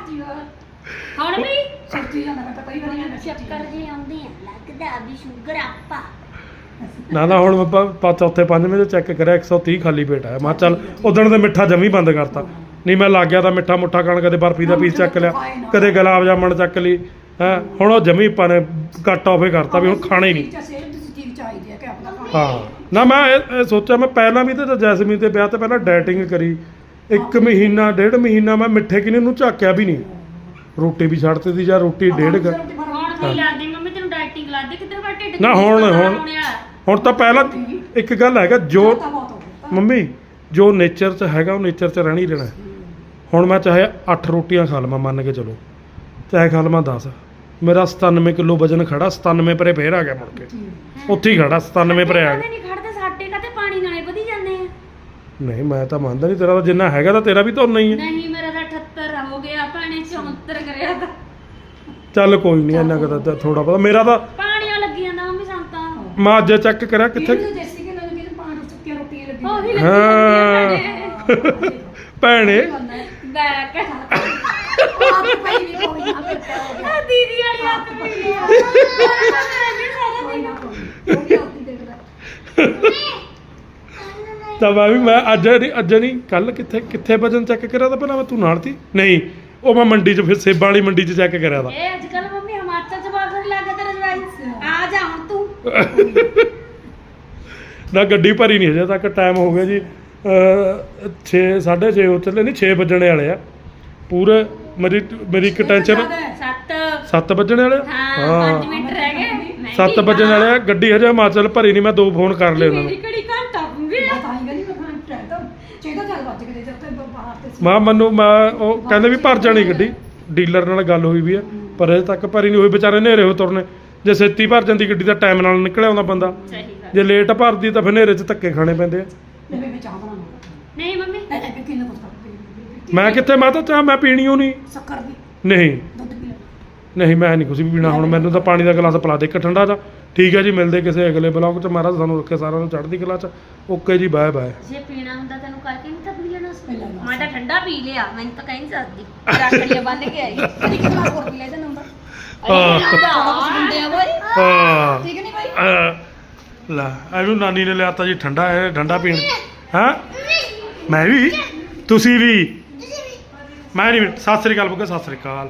ਤਾਂ ਹੁਣ ਵੀ ਸੱਚੀ ਜਾਂਦਾ ਮੈਂ ਤਾਂ ਕਈ ਵਾਰੀ ਮੈਂ ਚੱਕਰ ਜੇ ਆਉਂਦੇ ਆ ਲੱਗਦਾ ਵੀ ਸ਼ੂਗਰ ਆਪਾ ਨਾ ਨਾ ਹੁਣ ਮੈਂ ਪਾ ਚੌਥੇ ਪੰਜਵੇਂ ਤੇ ਚੈੱਕ ਕਰਿਆ ਇੱਕ ਸੌ ਤੀਹ ਖਾਲੀ ਪੇਟ ਆਇਆ ਮੈਂ ਕਿਹਾ ਚੱਲ ਉਦਣ ਦੇ ਮਿੱਠਾ ਜਮੀ ਬੰਦ ਕਰਤਾ ਨਹੀਂ ਮੈਂ ਲੱਗ ਗਿਆ ਤਾਂ ਮਿੱਠਾ ਮੁੱਠਾ ਖਾਣ ਕਦੇ ਬਰਫੀ ਦਾ ਪੀਸ ਚੱਕ ਲਿਆ ਕਦੇ ਗੁਲਾਬ ਜਾਮਣ ਚੱਕ ਲਈ ਹੈ ਹੁਣ ਉਹ ਜਮੀ ਆਪਾਂ ਨੇ ਕੱਟ ਆਫੇ ਕਰਤਾ ਵੀ ਹੁਣ ਖਾਣਾ ਹੀ ਨਹੀਂ ਸਿਹਤ ਦੀ ਚੀਜ਼ ਚਾਹੀਦੀ ਹੈ ਕਿ ਆਪਣਾ ਖਾਣਾ ਹਾਂ ਨਾ ਮੈਂ ਇਹ ਇਹ ਸੋਚਿਆ ਮੈਂ ਪਹਿਲਾਂ ਵੀ ਤੇ ਜੈਸਮੀਨ ਦੇ ਵਿਆਹ ਤੇ ਪਹਿਲਾਂ ਡਾਈਟਿੰਗ ਕਰੀ ਇੱਕ ਮਹੀਨਾ ਡੇਢ ਮਹੀਨਾ ਮੈਂ ਮਿੱਠੇ ਕਿਨੇ ਨੂੰ ਝਾਕਿਆ ਵੀ ਨਹੀਂ ਰੋਟੀ ਵੀ ਛੱਡਤੀ ਸੀ ਜਾਂ ਰੋਟੀ ਡੇਢ ਕੁ ਹੁਣ ਕੀ ਲਾਦੀ ਮੰਮੀ ਤੈਨੂੰ ਡਾਈਟਿੰਗ ਲਾਦੀ ਕਿੱਧਰ ਬਾ ਢਿੱਡ ਨਾ ਹੁਣ ਹੁਣ ਹੁਣ ਤਾਂ ਪਹਿਲਾਂ ਇੱਕ ਗੱਲ ਹੈਗਾ ਜੋ ਤਾਂ ਬਹੁਤ ਹੋ ਗਿਆ ਮੰਮੀ ਜੋ ਨੇਚਰ 'ਚ ਹੈਗਾ ਉਹ ਨੇਚਰ 'ਚ ਰਹਿਣਾ ਹੀ ਰਹਿਣਾ ਹੁਣ ਮੈਂ ਚਾਹੇ ਅੱਠ ਰੋਟੀਆਂ ਖਾ ਲਵਾਂ ਮੰਨ ਕੇ ਚਲੋ ਚਾਹੇ ਖਾ ਲਵਾਂ ਦਸ ਮੇਰਾ ਸਤਾਨਵੇਂ ਕਿਲੋ ਵਜਨ ਖੜਾ ਸਤਾਨਵੇਂ ਪਰੇ ਫੇਰ ਆ ਗਿਆ ਮੁੜ ਕੇ ਉੱਥੇ ਹੀ ਖੜਾ ਸਤਾਨਵੇਂ ਪਰੇ ਆ ਗਿਆ ਨਹੀਂ ਖੜਦੇ ਸਾਡੇ ਕਾਤੇ ਪਾਣੀ ਨਾਲੇ ਵਧੀ ਜਾਂਦੇ ਆ ਨਹੀਂ ਮੈਂ ਤਾਂ ਮੰਨਦਾ ਨਹੀਂ ਤੇਰਾ ਤਾਂ ਜਿੰਨਾ ਹੈਗਾ ਤਾਂ ਤੇਰਾ ਵੀ ਤਾਂ ਉਨਾ ਹੀ ਹੈ ਨਹੀਂ ਮੇਰਾ ਤਾਂ ਅਠੱਤਰ ਹੋ ਗਿਆ ਪਾਣੀ ਚੌਹੱਤਰ ਕਰਿਆ ਤਾਂ ਚੱਲ ਕੋਈ ਨਹੀਂ ਇੰਨਾ ਕੁ ਤਾਂ ਥੋੜਾ ਪਤਾ ਮੇਰਾ ਤਾਂ ਪਾਣੀਆਂ ਲੱਗੀ ਜਾਂਦਾ ਮੰਮੀ ਸੰਤਾਂ ਮੈਂ ਅੱਜ ਚੈੱਕ ਕਰਿਆ ਕਿੱਥੇ ਕਿੱਥੇ ਦੇਸੀ ਕਿ ਲੋਕ ਕਿਤੇ ਪਾਣੀ ਸੁੱਕੀਆਂ ਰੋਟੀਆਂ ਲੱਗੀਆਂ ਉਹੀ ਲੱਗੀ ਹਾਂ ਭੈਣੇ ਬੈਕ ਆਪ ਪਈ ਵੀ ਕੋਈ ਨਾ ਕਰਤਾ ਹੋ ਗਿਆ ਆ ਦੀਦੀ ਵਾਲੀ ਹੱਥ ਪਈ ਆ ਕੋਈ ਨਾ ਕੋਈ ਉਹ ਵੀ ਆਪਣੀ ਦੇਖਦਾ ਤਾਂ ਮੈਂ ਵੀ ਮੈਂ ਅੱਜ ਨਹੀਂ ਅੱਜ ਨਹੀਂ ਕੱਲ ਕਿੱਥੇ ਕਿੱਥੇ ਵਜਨ ਚੈੱਕ ਕਰਿਆ ਤਾਂ ਪਹਿਲਾਂ ਮੈਂ ਤੂੰ ਨਾਲ ਸੀ ਨਹੀਂ ਉਹ ਮੈਂ ਮੰਡੀ 'ਚ ਫਿਰ ਸੇਬਾਂ ਵਾਲੀ ਮੰਡੀ 'ਚ ਚੈੱਕ ਕਰਿਆ ਤਾਂ ਇਹ ਅੱਜ ਕੱਲ ਮੰਮੀ ਹਿਮਾਚਲ ਚ ਬਾਹਰ ਲੱਗਾ ਤੇਰਾ ਜਵਾਈ ਆ ਜਾ ਹੁਣ ਤੂੰ ਨਾ ਗੱਡੀ ਭਰੀ ਨਹੀਂ ਹਜੇ ਤੱਕ ਟਾਈਮ ਹੋ ਗਿਆ ਜੀ ਛੇ ਸਾਢੇ ਛੇ ਹੋ ਚੱਲੇ ਨਹੀਂ ਛੇ ਵੱਜਣੇ ਵਾਲੇ ਆ ਪੂਰੇ ਮੇਰੀ ਮੇਰੀ ਇੱਕ ਟੈਨਸ਼ਨ ਸੱਤ ਸੱਤ ਵੱਜਣੇ ਵਾਲੇ ਆ? ਹਾਂ ਪੰਜ ਮਿੰਟ ਰਹਿ ਗਏ ਮੈਂ ਸੱਤ ਵੀ ਵੱਜਣ ਵਾਲੇ ਆ ਗੱਡੀ ਹਜੇ ਹਿਮਾਚਲ ਭਰੀ ਨਹੀਂ ਮੈਂ ਦੋ ਫੋਨ ਕਰ ਲਏ ਉਹਨਾਂ ਨੂੰ ਮੇਰੀ ਕਿਹੜੀ ਘੰਟਾ ਪੂਰੀ ਮੈਂ ਤਾਂ ਹੀ ਗਈ ਮੈਂ ਖਾਣ ਟਾਈਮ ਤਾਂ ਚਾਹੀਦਾ ਚੱਲ ਵੱਜ ਕੇ ਜਦ ਤੱਕ ਬਾਹਰ ਤੇ ਸੀ। ਮੈਂ ਮੈਨੂੰ ਮੈਂ ਉਹ ਕਹਿੰਦੇ ਵੀ ਭਰ ਜਾਣੀ ਗੱਡੀ ਡੀਲਰ ਨਾਲ ਗੱਲ ਹੋਈ ਵੀ ਆ ਪਰ ਹਜੇ ਤੱਕ ਭਰੀ ਨਹੀਂ ਹੋਈ ਵਿਚਾਰੇ ਹਨੇਰੇ ਹੋ ਤੁਰਨੇ ਜੇ ਛੇਤੀ ਭਰ ਜਾਂਦੀ ਗੱਡੀ ਦਾ ਟਾਈਮ ਨਾਲ ਨਿਕਲਿਆ ਆਉਂਦਾ ਬੰਦਾ ਸਹੀ ਗੱਲ ਜੇ ਲੇਟ ਭਰਦੀ ਤਾਂ ਫਿਰ ਹਨੇਰੇ 'ਚ ਧੱਕੇ ਖਾਣੇ ਪੈਂਦੇ ਆ ਮੈਂ ਮੈਂ ਚਾਹ ਬਣਾਉਣਾ ਨਹੀਂ ਮੰਮੀ ਮੈਂ ਤਾਂ ਕਿੰਨਾ ਕੁਝ ਕਰਦੀ ਮੈਂ ਕਿੱਥੇ ਮੈਂ ਤਾਂ ਚਾਹ ਮੈਂ ਪੀਣੀ ਓ ਨਹੀਂ ਸ਼ੱਕਰ ਦੀ ਨਹੀਂ ਦੁੱਧ ਪੀ ਲੈ ਨਹੀਂ ਮੈਂ ਨਹੀਂ ਕੁਝ ਵੀ ਪੀਣਾ ਹੁਣ ਮੈਨੂੰ ਤਾਂ ਪਾਣੀ ਦਾ ਗਲਾਸ ਪਿਲਾ ਦੇ ਇੱਕ ਠੰਡਾ ਦਾ ਠੀਕ ਹੈ ਜੀ ਮਿਲਦੇ ਕਿਸੇ ਅਗਲੇ ਬਲੌਗ 'ਚ ਮਹਾਰਾਜ ਸਾਨੂੰ ਰੱਖੇ ਸਾਰਿਆਂ ਨੂੰ ਚੜ੍ਹਦੀ ਕਲਾ 'ਚ ਓਕੇ ਜੀ ਬਾਏ ਬਾਏ ਜੇ ਪੀਣਾ ਹੁੰਦਾ ਤੈਨੂੰ ਕਰਕੇ ਨਹੀਂ ਤਾਂ ਪੀ ਲੈਣਾ ਸੀ ਪਹਿਲਾਂ ਨਾ। ਮੈਂ ਤਾਂ ਠੰਡਾ ਪੀ ਲਿਆ ਮੈਨੂੰ ਤਾਂ ਕਹਿ ਨਹੀਂ ਸਕਦੀ ਰੱਖੜੀਆਂ ਬੰਨ ਕੇ ਆਈ ਕਦੀ ਕਿੰਨਾ ਹੋਰ ਪੀ ਲੈ ਇਹਦਾ ਨੰਬਰ ਹਾਂ ਮੁੰਡਿਆ ਬੋਈ ਹਾਂ ਠੀਕ ਨਹੀਂ ਭਾਈ ਅਹ, ਲੈ ਇਹਨੂੰ ਨਾਨੀ ਨੇ ਲਿਆਤਾ ਜੀ ਠੰਡਾ ਇਹ ਠੰਡਾ ਪੀਣ ਹਾਂ ਮੈਂ ਵੀ ਤੁਸੀਂ ਵੀ ਮੈਂ ਨਹੀਂ ਸਤਿ ਸ੍ਰੀ ਅਕਾਲ ਬੁੱਗਾ ਸਤਿ ਸ੍ਰੀ ਅਕਾਲ